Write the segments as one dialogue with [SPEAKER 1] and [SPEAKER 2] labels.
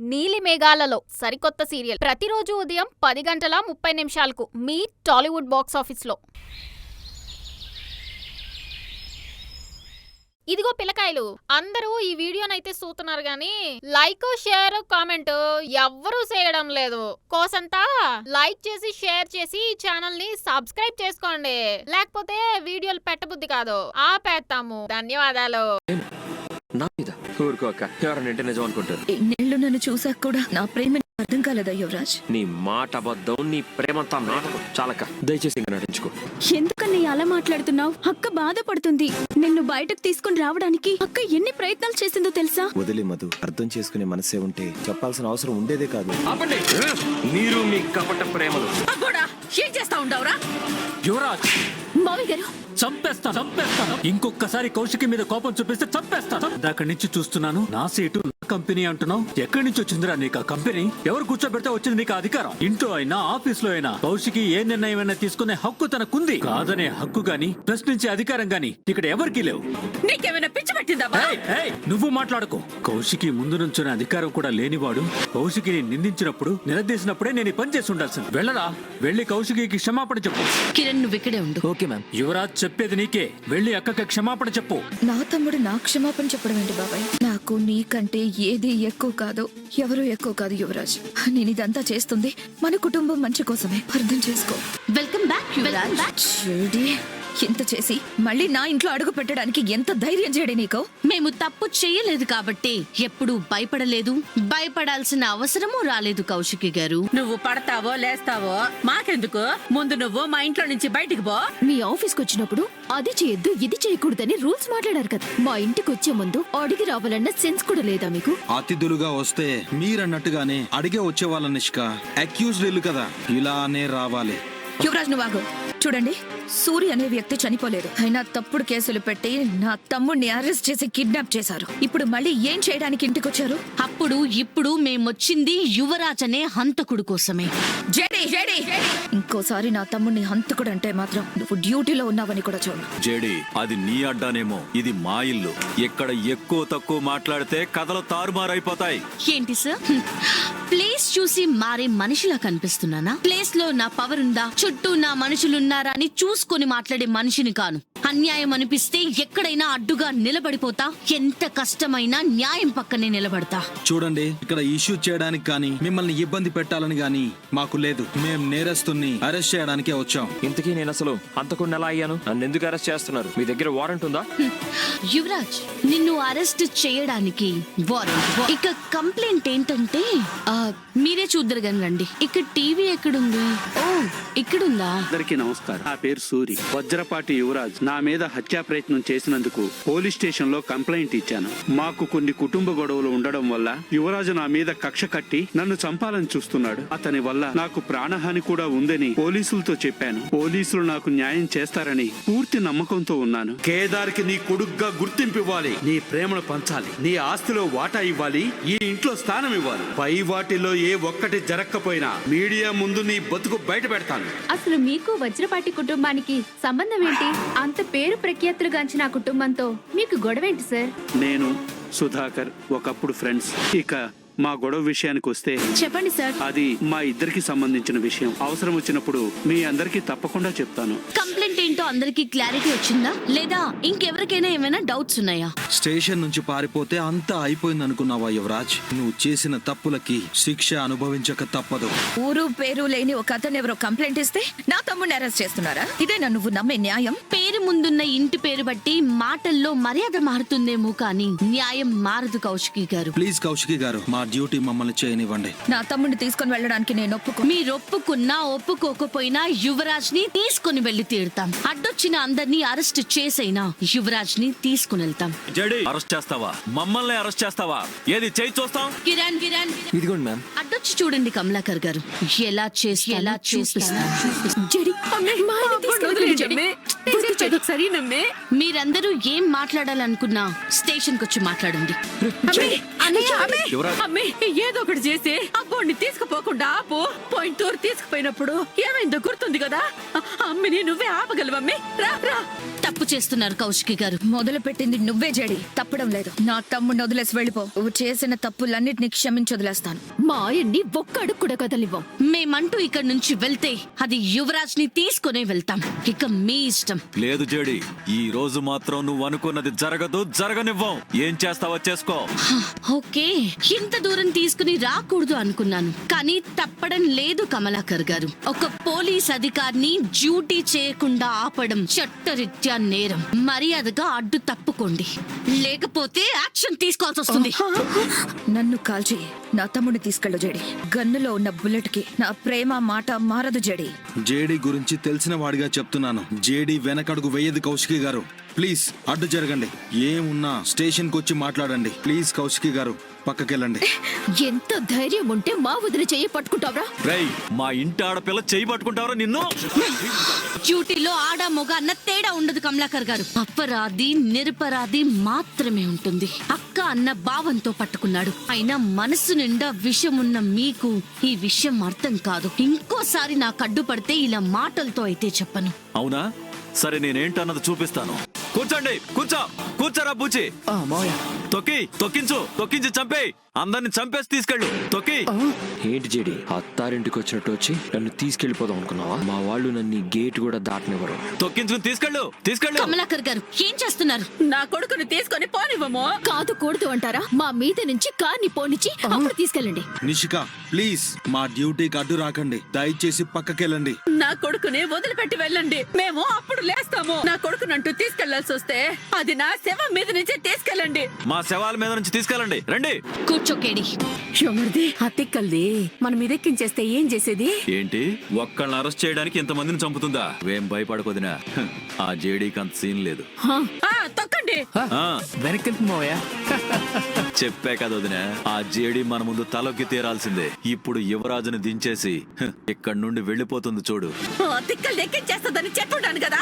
[SPEAKER 1] నీలి మేఘాలలో సరికొత్త సీరియల్ ప్రతిరోజు ఉదయం 10:30 మీ టాలీవుడ్ బాక్స్ ఆఫీస్లో. ఇదిగో పిల్లకాయలు, అందరూ ఈ వీడియోనైతే చూస్తున్నారు గాని లైక్, షేర్, కామెంట్ ఎవ్వరూ చేయడం లేదు. కోసంతా లైక్ చేసి షేర్ చేసి ఈ ఛానల్ ని సబ్స్క్రైబ్ చేసుకోండి, లేకపోతే వీడియోలు పెట్టబుద్ధి కాదు, ఆపేస్తాము. ధన్యవాదాలు.
[SPEAKER 2] ఎన్నేళ్ళు నన్ను చూసాక కూడా నా ప్రేమ అర్థం కాలేదా యువరాజ్?
[SPEAKER 3] నీ మాట అబద్ధం, నీ ప్రేమంతా నాటకం. చాలక దయచేసి ఇంకా నటించుకో.
[SPEAKER 2] ఎందుకని అలా మాట్లాడుతున్నావు? అక్క బాధపడుతుంది. నిన్ను బయటకు తీసుకుని రావడానికి అక్క ఎన్ని ప్రయత్నాలు చేసిందో తెలుసా?
[SPEAKER 4] వదిలే మధు, అర్థం చేసుకునే మనసే ఉంటే చెప్పాల్సిన అవసరం ఉండేదే కాదు.
[SPEAKER 3] మీరు మీ కపట ప్రేమలు
[SPEAKER 2] ఏం చేస్తా ఉండవురా
[SPEAKER 5] యువరాజ్?
[SPEAKER 2] మావి గారు
[SPEAKER 5] చంపేస్తాను. ఇంకొకసారి కౌశికి మీద కోపం చూపిస్తే చంపేస్తాను. అక్కడి నుంచి చూస్తున్నాను, నా సీటు నా కంపెనీ అంటున్నావు. ఎక్కడి నుంచి వచ్చిందిరా నీకు ఆ కంపెనీ? ఎవరు కూర్చోబెడితే వచ్చింది నీకు అధికారం? ఇంట్లో అయినా ఆఫీస్ లో అయినా కౌశికి ఏ నిర్ణయమైనా తీసుకునే హక్కు తనకుంది. కాదనే హక్కు గాని, ప్రశ్నించే అధికారం గాని ఇక్కడ ఎవరికీ లేవు.
[SPEAKER 2] నీకేమైనా పిచ్చి పట్టిందా?
[SPEAKER 5] నువ్వు మాట్లాడుకో. కౌశికి ముందు నుంచునే అధికారం కూడా లేనివాడు కౌశికిని నిందించినప్పుడు, నిలదీసినప్పుడే నేను పని చేసి ఉండాల్సింది. వెళ్ళరా, వెళ్ళి కౌశికి క్షమాపణ చెప్పు.
[SPEAKER 2] కిరణ్, నువ్వు ఇక్కడే ఉండు.
[SPEAKER 5] Okay ma'am. యువరాజ్ చెప్పేది నీకే. వెళ్ళి అక్కకి క్షమాపణ చెప్పు.
[SPEAKER 2] నా తమ్ముడు నా క్షమాపణ చెప్పడం ఏంటి బాబాయ్? నాకు నీకంటే ఏది ఎక్కువ కాదు, ఎవరు ఎక్కువ కాదు యువరాజ్. నేను ఇదంతా చేస్తుంది మన కుటుంబం మంచి కోసమే, అర్థం చేసుకో.
[SPEAKER 6] Welcome back Yuvraj.
[SPEAKER 2] ఎంత చేసి మళ్ళీ నా ఇంట్లో అడుగు పెట్టడానికి ఎంత ధైర్యం చేయడే నీకు?
[SPEAKER 6] మేము తప్పు చేయలేదు కాబట్టి ఎప్పుడు భయపడలేదు, భయపడాల్సిన అవసరమూ రాలేదు కౌశికి గారు.
[SPEAKER 7] నువ్వు పడతావో లేస్తావో మాకెందుకు? ముందు నువ్వు మా ఇంట్లో నుంచి బయటికి పో.
[SPEAKER 2] మీ ఆఫీస్కి వచ్చినప్పుడు అది చేయొద్దు, ఇది చేయకూడదని రూల్స్ మాట్లాడారు కదా. మా ఇంటికి వచ్చే ముందు అడిగి రావాలన్న సెన్స్ కూడా లేదా మీకు?
[SPEAKER 8] అతిథులుగా వస్తే మీరన్నట్టుగానే అడిగే వచ్చే వాళ్ళ నిష్క అక్యూజ్డ్ ఇల్లు కదా, ఇలానే రావాలి.
[SPEAKER 2] యువరాజ్, నువ్వు ఆగు. చూడండి, సూర్య అనే వ్యక్తి చనిపోలేదు, అయినా తప్పుడు కేసులు పెట్టి నా తమ్ముడిని అరెస్ట్ చేసి కిడ్నాప్ చేశారు. ఇప్పుడు మళ్ళీ ఏం చేయడానికి ఇంటికి వచ్చారు?
[SPEAKER 6] ఇప్పుడు మేమొచ్చింది యువరాజ్ అనే హంతకుడు కోసమే.
[SPEAKER 2] ఇంకోసారి నా తమ్ముడిని హంతకుడు అంటే మాత్రం నువ్వు డ్యూటీలో ఉన్నావని కూడా చూడు.
[SPEAKER 9] జేడి, అది నీ అడ్డానేమో, ఇది మా ఇల్లు. ఎక్కడ ఎక్కువ తక్కువ మాట్లాడితే కథలు తారుమారైపోతాయి.
[SPEAKER 6] ఏంటి సార్, ప్లేస్ చూసి మారే మనిషిలా కనిపిస్తున్నానా? ప్లేస్ లో నా పవర్ ఉందా, చుట్టూ నా మనుషులున్నారా అని చూసుకొని మాట్లాడే మనిషిని కాను. అన్యాయం అనిపిస్తే ఎక్కడైనా అడ్డుగా నిలబడిపోతా. ఎంత కష్టమైనా న్యాయం పక్కనే నిలబడతా.
[SPEAKER 8] చూడండి, ఇక్కడ ఇష్యూ చేయడానికి కానీ మిమ్మల్ని ఇబ్బంది పెట్టాలని గానీ మాకు లేదు. మేం నేరస్తుని అరెస్ట్ చేయడానికే వచ్చాం.
[SPEAKER 3] ఇంతకీ నేను అసలు హంతకుడిని ఎలా అయ్యాను? నన్ను ఎందుకు అరెస్ట్ చేస్తున్నారు? మీ దగ్గర వారెంట్ ఉందా?
[SPEAKER 6] యువరాజ్, నిన్ను అరెస్ట్ చేయడానికి వారెంట్. ఇక కంప్లైంట్ ఏంటంటే మీరే చూద్దరు గాని రండి. ఇక్కడ టీవీ ఎక్కడుంది? ఓ, ఇక్కడుందా?
[SPEAKER 10] అందరికీ నమస్కారం. నా పేరు సూరి. వజ్రపాటి యువరాజ్ నా మీద హత్యా ప్రయత్నం చేసినందుకు పోలీస్ స్టేషన్ లో కంప్లైంట్ ఇచ్చాను. మాకు కొన్ని కుటుంబ గొడవలు ఉండడం వల్ల యువరాజు నా మీద కక్ష కట్టి నన్ను చంపాలని చూస్తున్నాడు. అతని వల్ల నాకు ప్రాణహాని కూడా ఉందని పోలీసులతో చెప్పాను. పోలీసులు నాకు న్యాయం చేస్తారని పూర్తి నమ్మకంతో ఉన్నాను. కేదార్ కి నీ కొడుగ్గా గుర్తింపు ఇవ్వాలి, నీ ప్రేమను పంచాలి, నీ ఆస్తిలో వాటా ఇవ్వాలి, ఈ ఇంట్లో స్థానం ఇవ్వాలి. పై వాటిలో ఏ ఒక్కటి జరగకపోయినా మీడియా ముందు నీ బతుకు బయట పెడతాను.
[SPEAKER 11] అసలు మీకు వజ్రపాటి కుటుంబానికి సంబంధం ఏంటి? అంత పేరు ప్రఖ్యాతులుగాంచిన ఆ కుటుంబంతో మీకు గొడవేంటి సార్?
[SPEAKER 10] నేను సుధాకర్ ఒకప్పుడు ఫ్రెండ్స్. ఇక మా గొడవ విషయానికి వస్తే
[SPEAKER 11] చెప్పండి సార్.
[SPEAKER 10] అది మా ఇద్దరికి సంబంధించిన విషయం. అవసరం వచ్చినప్పుడు మీ అందరికి తప్పకుండా చెప్తాను.
[SPEAKER 6] కంప్లైంట్ ఏంటో అందరికి క్లారిటీ వచ్చిందా, లేదా ఇంకెవరికైనా ఏమైనా డౌట్స్ ఉన్నాయా?
[SPEAKER 8] స్టేషన్ నుంచి పారిపోతే అంతా అయిపోయింది అనుకున్నావా యువరాజ్? నువ్వు చేసిన తప్పులకి శిక్ష అనుభవించక తప్పదు.
[SPEAKER 2] ఊరు పేరు లేని ఒక అతను ఎవరో కంప్లైంట్ ఇస్తే నా తమ్ముడిని అరెస్ట్ చేస్తున్నారా? ఇదేనా నువ్వు నమ్మే న్యాయం?
[SPEAKER 6] పేరు ముందున్న ఇంటి పేరు బట్టి మాటల్లో మర్యాద మారుతుందేమో కానీ న్యాయం మారదు కౌశికి గారు.
[SPEAKER 8] ప్లీజ్ కౌశికి గారు, మా డ్యూటీ మమ్మల్ని చేయనివ్వండి.
[SPEAKER 2] నా తమ్ముడిని తీసుకొని వెళ్ళడానికి నేను
[SPEAKER 6] మీరు ఒప్పుకున్నా ఒప్పుకోకపోయినా యువరాజ్ ని తీసుకుని వెళ్లి తీరుతాం. అడ్డొచ్చిన అందరినీ అరెస్ట్ చేసైనా యువరాజ్ ని తీసుకుని వెళ్తాం.
[SPEAKER 9] జేడి, అరెస్ట్ చేస్తావా? మమ్మల్ని అరెస్ట్ చేస్తావా? ఏది చేయి చూస్తాం.
[SPEAKER 6] కిరణ్,
[SPEAKER 3] ఇదిగోండి మ్యామ్.
[SPEAKER 6] అడ్డొచ్చి చూడండి కమలాకర్ గారు, ఎలా చూపిస్తాం.
[SPEAKER 7] సరేనమ్మే.
[SPEAKER 6] మీరందరూ ఏం మాట్లాడాలనుకున్నా స్టేషన్ కి వచ్చి మాట్లాడండి.
[SPEAKER 7] అమ్మే ఏదో ఒకటి చేసి అబ్బోడిని తీసుకుపోకుండా ఆపు. పాయింట్ టూర్ తీసుకుపోయినప్పుడు ఏమైందో గుర్తుంది కదా. అమ్మిని నువ్వే ఆపగలవమ్మే. రా రా.
[SPEAKER 6] తప్పు చేస్తున్నారు కౌశికి గారు.
[SPEAKER 2] మొదలు పెట్టింది నువ్వే జడి, తప్పడం లేదు. నా తమ్ముడిని వదిలేసి వెళ్ళిపో. నువ్వు చేసిన తప్పులన్నిటినీ క్షమించి వదిలేస్తాను.
[SPEAKER 11] మా ఆయన్ని ఒక్క అడుగు కూడా కదలివ్వం.
[SPEAKER 6] మేమంటూ ఇక్కడ నుంచి వెళ్తే అది యువరాజ్ ని తీసుకునే వెళ్తాం. ఇక మీ ఇష్టం.
[SPEAKER 9] లేదు జేడి, ఈ రోజు మాత్రం నువ్వు అనుకున్నది జరగదు, జరగనివ్వం. ఏం చేస్తావో చేసుకో.
[SPEAKER 6] ఓకే, ఇంత దూరం తీసుకుని రాకూడదు అనుకున్నాను, కానీ తప్పడం లేదు కమలాకర్ గారు. ఒక పోలీస్ అధికారిని డ్యూటీ చేయకుండా ఆపడం చట్టరీత్యా నేరం. మర్యాదగా అడ్డు తప్పుకోండి, లేకపోతే యాక్షన్ తీసుకోవాల్సి వస్తుంది.
[SPEAKER 2] నన్ను కాల్చి నా తమ్ముడిని తీసుకెళ్ళు జడి. గన్నులో ఉన్న బుల్లెట్ కి నా ప్రేమ మాట మారదు జడి.
[SPEAKER 8] జేడీ గురించి తెలిసిన వాడిగా చెప్తున్నాను. జేడీ వెనకడుగు వేయదు కౌశికి గారు. ప్లీజ్ అడ్డు జరగండి. ఏమున్నా స్టేషన్ కు వచ్చి మాట్లాడండి. ప్లీజ్ కౌశికి గారు, పక్కకెళ్ళండి.
[SPEAKER 11] ఎంత ధైర్యం ఉంటే మా వదిలి చెయ్యి పట్టుకుంటావరా?
[SPEAKER 9] రేయ్, మా ఇంటి ఆడపిల్ల చేయి పట్టుకుంటావరా నిన్ను?
[SPEAKER 6] డ్యూటీలో ఆడ మొగ అన్న తేడా ఉండదు కమలాకర్ గారు. అపరాధి నిరపరాధి మాత్రమే ఉంటుంది. అక్క అన్న భావంతో పట్టుకున్నాడు. అయినా మనసు నిండా విషం ఉన్న మీకు ఈ విషయం అర్థం కాదు. ఇంకోసారి నాకు అడ్డు పడితే ఇలా మాటలతో అయితే చెప్పను.
[SPEAKER 9] అవునా? సరే, నేనేంటన్నది చూపిస్తాను. కూర్చోండి, కూర్చోరా బూచి. తొక్కించి చంపేయ్. అందరిని చంపేసి తీసుకెళ్ళు. తొక్కి.
[SPEAKER 3] ఏంటి జేడి, అత్తారింటికి వచ్చినట్టు వచ్చి నన్ను తీసుకెళ్లిపోదాం అనుకున్నావా? మా వాళ్ళు నన్ను గేట్ కూడా దాటనివ్వరు.
[SPEAKER 9] తొక్కించుకుని తీసుకెళ్ళు.
[SPEAKER 6] కమలాకర్ గారు ఏం చేస్తున్నారు?
[SPEAKER 7] నా కొడుకుని తీసుకొని పోనివ్వము.
[SPEAKER 11] కాదు కూడదు అంటారా? మా మీద నుంచి కార్ని పోనిచ్చి అప్పుడు తీసుకెళ్ళండి.
[SPEAKER 8] నిషిక, ప్లీజ్ మా డ్యూటీకి అడ్డు రాకండి. దయచేసి పక్కకెళ్ళండి.
[SPEAKER 7] నా కొడుకుని వదిలిపెట్టి వెళ్ళండి. మేము అప్పుడు లేస్తాము. నా కొడుకునంటూ తీసుకెళ్లాల్సి వస్తే అది నా శవం మీద నుంచి తీసుకెళ్ళండి.
[SPEAKER 9] మా శవాల మీద నుంచి తీసుకెళ్ళండి. రండి.
[SPEAKER 6] కూర్చోకేడి.
[SPEAKER 7] ఎవరిది? అతిక్కల్ది. మనం ఇదెక్కించేస్తే ఏం చేసేది?
[SPEAKER 9] ఏంటి, ఒక్కళ్ళని అరెస్ట్ చేయడానికి ఇంతమందిని చంపుతుందా? ఏం భయపడకొదినా. ఆ జేడీకి అంత సీన్ లేదు.
[SPEAKER 7] తొక్కండి.
[SPEAKER 9] చెప్పే కదా వదినా, ఆ జేడీ మన ముందు తలొక్కి తీరాల్సిందే. ఇప్పుడు యువరాజుని దించేసి ఇక్కడి నుండి వెళ్ళిపోతుంది చూడు.
[SPEAKER 7] తిక్కలు ఎక్కించేస్తుందని చెప్పుంటాను కదా.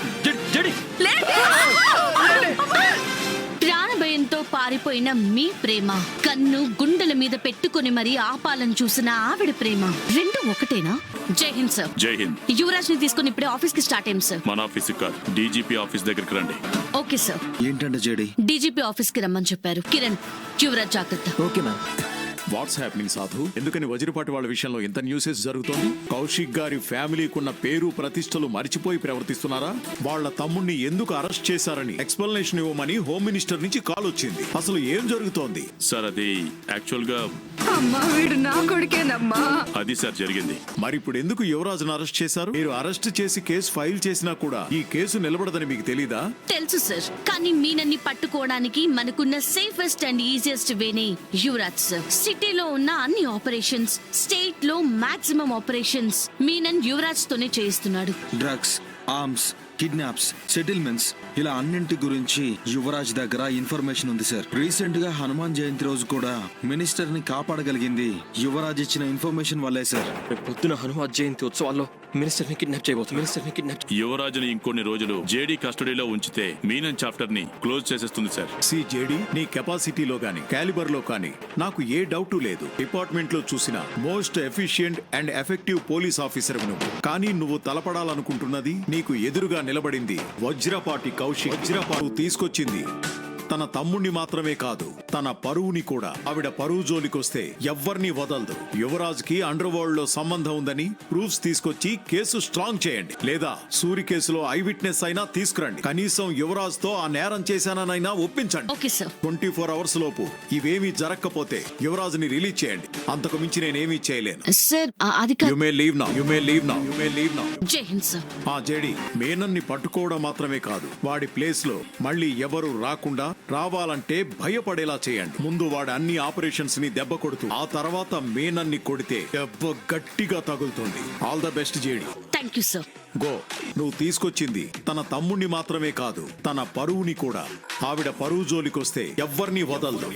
[SPEAKER 6] ప్రాణభయంతో పారిపోయిన మీ ప్రేమ, కన్ను గుండెల మీద పెట్టుకుని మరీ ఆపాలని చూసిన ఆవిడ ప్రేమ రెండు ఒకటేనా? జై హింద్ సార్.
[SPEAKER 12] జై హింద్.
[SPEAKER 6] యువరాజ్ ని తీసుకుని ఇప్పుడే ఆఫీస్ కి స్టార్ట్ అయ్యాం సార్.
[SPEAKER 12] మన ఆఫీస్ కాదు, డీజీపీ ఆఫీస్ దగ్గరికి రండి.
[SPEAKER 6] Okay sir.
[SPEAKER 8] ఏంటంటే జేడీ?
[SPEAKER 6] డీజీపీ ఆఫీస్ కి రమ్మని చెప్పారు. కిరణ్, యువరాజ్ జాగ్రత్త.
[SPEAKER 3] Okay ma'am.
[SPEAKER 12] వాట్స్ హ్యాపెనింగ్ సాధు? ఎందుకని వజ్రపాటి వాళ్ళ విషయంలో ఇంత న్యూసెస్ జరుగుతోంది? కౌశిక్ గారి ఫ్యామిలీకున్న పేరు ప్రతిష్టలు మరిచిపోయి ప్రవర్తిస్తున్నారా? వాళ్ళ తమ్ముణ్ణి ఎందుకు అరెస్ట్ చేశారని ఎక్స్ప్లెనేషన్ ఇవ్వమని హోమ్ మినిస్టర్ నుంచి కాల్ వచ్చింది. అసలు ఏం జరుగుతోంది సార్? అది యాక్చువల్ గా అది సార్ జరిగింది. మరి ఇప్పుడు ఎందుకు యువరాజును అరెస్ట్ చేశారు? మీరు అరెస్ట్ చేసి కేసు ఫైల్ చేసినా కూడా ఈ కేసు నిలబడదని మీకు తెలీదా?
[SPEAKER 6] తెలుసు సార్, కానీ మీనన్ని పట్టుకోవడానికి మనకున్న సేఫెస్ట్ అండ్ ఈజియెస్ట్ వేనే యువరాజ్ సార్. సిటీలో ఉన్న అన్ని ఆపరేషన్స్, స్టేట్ లో మాక్సిమం ఆపరేషన్స్ మీనన్ యువరాజ్ తోనే చేయిస్తున్నాడు.
[SPEAKER 8] డ్రగ్స్, ఆర్మ్స్, కిడ్నాప్స్, సెటిల్మెంట్స్, ఇలా అన్నింటి గురించి యువరాజ్ దగ్గర ఇన్ఫర్మేషన్ ఉంది సార్. రీసెంట్ గా హనుమాన్ జయంతి రోజు కూడా మినిస్టర్ ని కాపాడగలిగింది యువరాజ్ ఇచ్చిన ఇన్ఫర్మేషన్ వల్లే సార్.
[SPEAKER 3] పొద్దున హనుమాన్ జయంతి ఉత్సవాల్లో మినిస్టర్ ని కిడ్నాప్ చేయబోతుంది.
[SPEAKER 12] యువరాజుని ఇంకొన్ని రోజులు జేడీ కస్టడీలో ఉంచితే మీనన్ చాప్టర్ ని క్లోజ్ చేసేస్తుంది సార్. జేడీ నీ కెపాసిటీలో గానీ క్యాలిబర్ లో కానీ నాకు ఏ డౌట్ లేదు. డిపార్ట్మెంట్ లో చూసిన most efficient and effective police officer నువ్వు. కానీ నువ్వు తలపడాలనుకుంటున్నది, నీకు ఎదురుగా నిలబడింది వజ్రపాటి కౌశిక్. వజ్రపాటు తీసుకొచ్చింది తన తమ్ముణ్ణి మాత్రమే కాదు, తన పరువుని కూడా. ఆవిడ పరువు జోలికొస్తే ఎవ్వర్నీ వదలదు. యువరాజ్ కి అండర్ వరల్డ్ లో సంబంధం ఉందని ప్రూఫ్స్ తీసుకొచ్చి కేసు స్ట్రాంగ్ చేయండి. లేదా సూరి కేసులో ఐ విట్నెస్ అయినా తీసుకురండి. కనీసం యువరాజ్ తో ఆ నేరం చేశాననైనా ఒప్పించండి. 24 hours లోపు ఇవేమీ జరగకపోతే యువరాజ్ ని రిలీజ్ చేయండి. అంతకు మించి నేనేమీ చేయలేను
[SPEAKER 6] sir.
[SPEAKER 12] You may leave now.
[SPEAKER 6] Jai Hind sir.
[SPEAKER 12] ఆ జేడీ మేనన్ని పట్టుకోవడం మాత్రమే కాదు, వాడి ప్లేస్ లో మళ్ళీ ఎవరు రాకుండా, రావాలంటే భయపడేలా చేయండి. ముందు వాడి అన్ని ఆపరేషన్స్ ని దెబ్బ కొడుతూ, ఆ తర్వాత మేనన్ని కొడితే దెబ్బ గట్టిగా తగులుతుంది. All the best JD.
[SPEAKER 6] Thank you sir.
[SPEAKER 12] Go. నువ్వు తీసుకొచ్చింది తన తమ్ముణ్ణి మాత్రమే కాదు, తన పరువుని కూడా. ఆవిడ పరువు జోలికొస్తే ఎవ్వర్నీ వదలదు.